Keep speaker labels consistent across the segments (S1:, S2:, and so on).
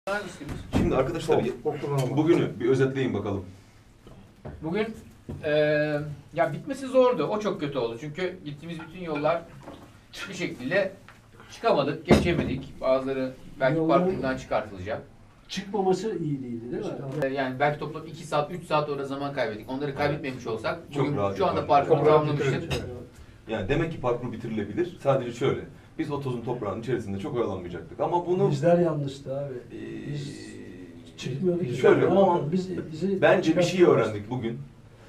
S1: Şimdi arkadaşlar bugünü bir özetleyin bakalım.
S2: Bugün ya bitmesi zordu. O çok kötü oldu. Çünkü gittiğimiz bütün yollar bir şekilde çıkamadık, geçemedik. Bazıları belki parkurdan çıkartılacak.
S3: Çıkmaması iyi değildi değil mi?
S2: Yani belki toplam 2 saat, 3 saat orada zaman kaybettik. Onları kaybetmemiş olsak
S1: Çok
S2: bugün
S1: rahat
S2: şu anda
S1: yapardık.
S2: parkuru tamamlamıştık.
S1: Yani demek ki parkur bitirilebilir. Sadece şöyle. Biz o tozun toprağın içerisinde çok oyalanmayacaktık. Ama bunu
S3: Bizler yanlıştı abi. Biz çıkmıyorduk.
S1: şöyle ama
S3: bizi
S1: bence bir şey öğrendik bugün.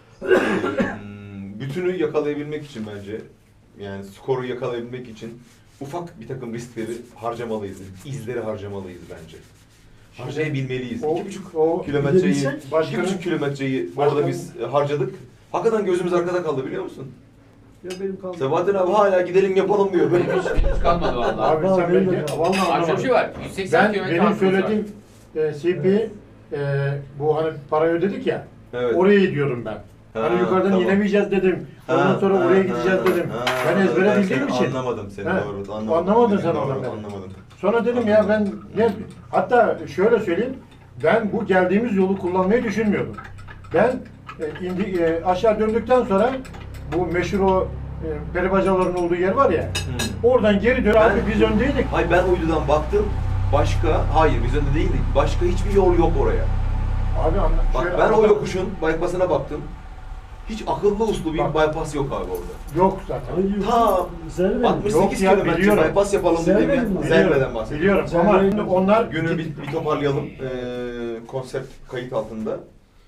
S1: Bütünü yakalayabilmek için bence, yani skoru yakalayabilmek için ufak bir takım riskleri harcamalıyız. İzleri harcamalıyız bence. Harcayabilmeliyiz. 2,5 kilometreyi, 2,5 kilometreyi orada biz harcadık. Hakikaten gözümüz arkada kaldı, biliyor musun?
S3: Ya benim kaldı.
S1: Sebahattin abi hala gidelim yapalım diyor.
S2: Henüz kalmadı vallahi.
S4: Abi sen
S3: benim
S4: beni
S3: de-
S4: vallahi
S2: Şöyle bir
S4: anlamadım.
S2: şey var. 180
S4: Ben
S2: kilometre
S4: benim
S2: hakkımız var.
S4: söylediğim CP bu hani parayı ödedik ya.
S1: Evet.
S4: Oraya gidiyorum ben.
S1: Ha,
S4: Hani yukarıdan
S1: tamam.
S4: inemeyeceğiz dedim. Ondan sonra oraya gideceğiz dedim. Ben ezbere bildiğim için.
S1: Anlamadım seni,
S4: He,
S1: doğru.
S4: anlamadın sen
S1: Doğru,
S4: oradan beni.
S1: anlamadım.
S4: Sonra dedim ya ben ne, hatta şöyle söyleyeyim. Ben bu geldiğimiz yolu kullanmayı düşünmüyordum. Ben aşağı döndükten sonra bu meşhur o peri bacaların olduğu yer var ya. Oradan geri dön abi, biz öndeydik.
S1: Hayır, ben uydudan baktım. Hayır biz önde değildik. Başka hiçbir yol yok oraya.
S4: Abi
S1: Bak
S4: şöyle
S1: ben o
S4: anladım.
S1: yokuşun bypass'ına baktım. Hiç akıllı uslu bir
S4: Bak.
S1: bypass yok abi orada.
S4: Yok zaten.
S1: Ta
S3: Zerre
S1: 68
S4: Yok ya,
S1: kilometre
S4: biliyorum.
S1: bypass yapalım dedim ya.
S3: Zerreden mi?
S1: Zerreden bahsediyorum.
S4: Biliyorum
S3: Sen
S4: ama
S3: de-
S4: onlar
S1: Günü bir toparlayalım. Konsept kayıt altında.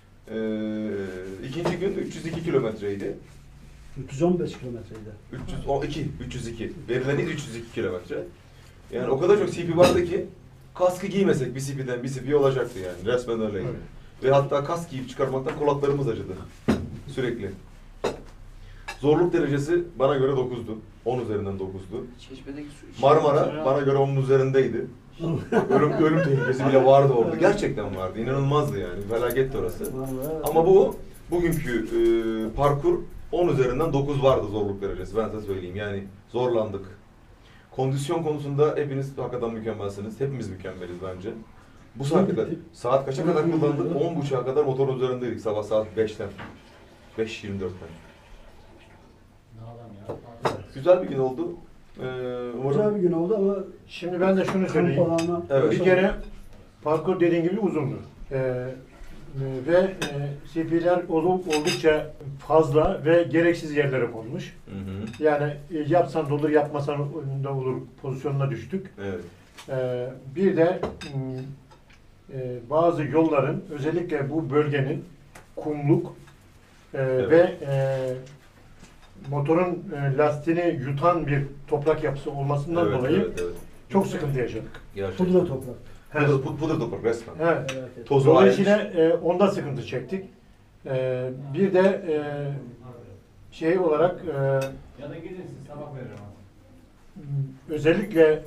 S1: İkinci gün 302 kilometreydi.
S3: 315 kilometreydi.
S1: 302. Verileni 302 kilometre. Yani o kadar çok CP vardı ki kaskı giymesek bir CP'den bir CP olacaktı yani. Resmen öyleydi.
S4: Evet.
S1: Ve hatta kask giyip çıkarmaktan kulaklarımız acıdı. Sürekli. Zorluk derecesi bana göre 9'du. 10 üzerinden 9'du.
S2: Çeşmedeki su
S1: Marmara bana göre 10'un üzerindeydi. Ölüm tehlikesi bile vardı orada. Gerçekten vardı. İnanılmazdı yani. Felaketti orası. Ama bugünkü parkur 10 üzerinden 9 vardı zorluk derecesi. Ben size söyleyeyim. Yani zorlandık. Kondisyon konusunda hepiniz hakikaten mükemmelsiniz. Hepimiz mükemmeliz bence. Bu saate kadar, saat kaça kadar kullandık? 10.30'a kadar motorun üzerindeydik sabah saat 5'ten. 5.24'ten. Güzel bir gün oldu.
S3: Güzel bir gün oldu ama
S4: şimdi ben de şunu söyleyeyim.
S3: kampalama.
S1: Evet.
S4: Bir kere parkur dediğin gibi uzundu. Ve CP'ler oldukça fazla ve gereksiz yerlere konmuş.
S1: Hı hı.
S4: Yani yapsan da olur, yapmasan da olur pozisyonuna düştük.
S1: Evet.
S4: Bir de bazı yolların, özellikle bu bölgenin kumluk
S1: Evet.
S4: ve motorun lastiğini yutan bir toprak yapısı olmasından
S1: Evet,
S4: dolayı
S1: evet.
S4: çok sıkıntı yaşadık.
S1: Gerçekten.
S3: Pudra toprak.
S1: Pudra toprak resmen.
S4: Evet.
S3: Evet.
S1: Tozu
S4: Dolayısıyla onda sıkıntı çektik. Bir de şey olarak
S5: Ya da gidin siz sabah veririm abi.
S4: özellikle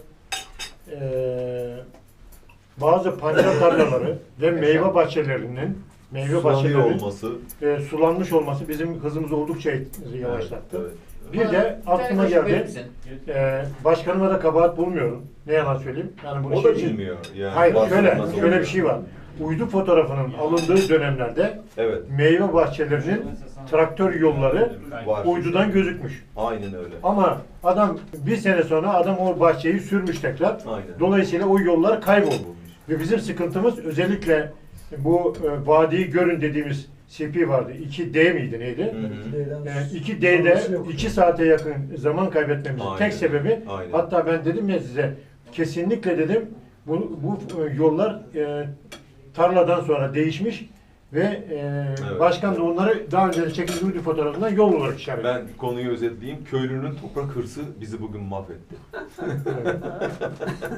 S4: bazı pancar tarlaları ve meyve bahçelerinin
S1: Sulanıyor olması.
S4: sulanmış olması bizim hızımızı oldukça yavaşlattı.
S1: Evet,
S4: Bir de aklıma geldi. Başkanıma da kabahat bulmuyorum. Ne yalan söyleyeyim. Yani bunu
S1: O da bilmiyor. Yani
S4: Hayır,
S1: bazı
S4: şöyle
S1: nasıl
S4: bir
S1: oluyor?
S4: şey var. Uydu fotoğrafının alındığı dönemlerde
S1: Evet.
S4: meyve bahçelerinin traktör yolları
S1: Var.
S4: uydudan gözükmüş.
S1: Aynen öyle.
S4: Ama adam bir sene sonra adam o bahçeyi sürmüş tekrar.
S1: Aynen.
S4: Dolayısıyla o yollar kayboldu. Ve bizim sıkıntımız özellikle bu vadiyi görün dediğimiz CP vardı. 2D miydi neydi?
S1: Hı hı.
S4: 2D'de 2 saate yakın zaman kaybetmemizin
S1: Aynen.
S4: tek sebebi,
S1: Aynen.
S4: hatta ben dedim ya size, kesinlikle dedim bu yollar tarladan sonra değişmiş ve
S1: Evet.
S4: başkan da onları daha önce de çekildiği uydu fotoğrafından yol olarak işaret etti.
S1: Ben konuyu özetleyeyim. Köylünün toprak hırsı bizi bugün mahvetti.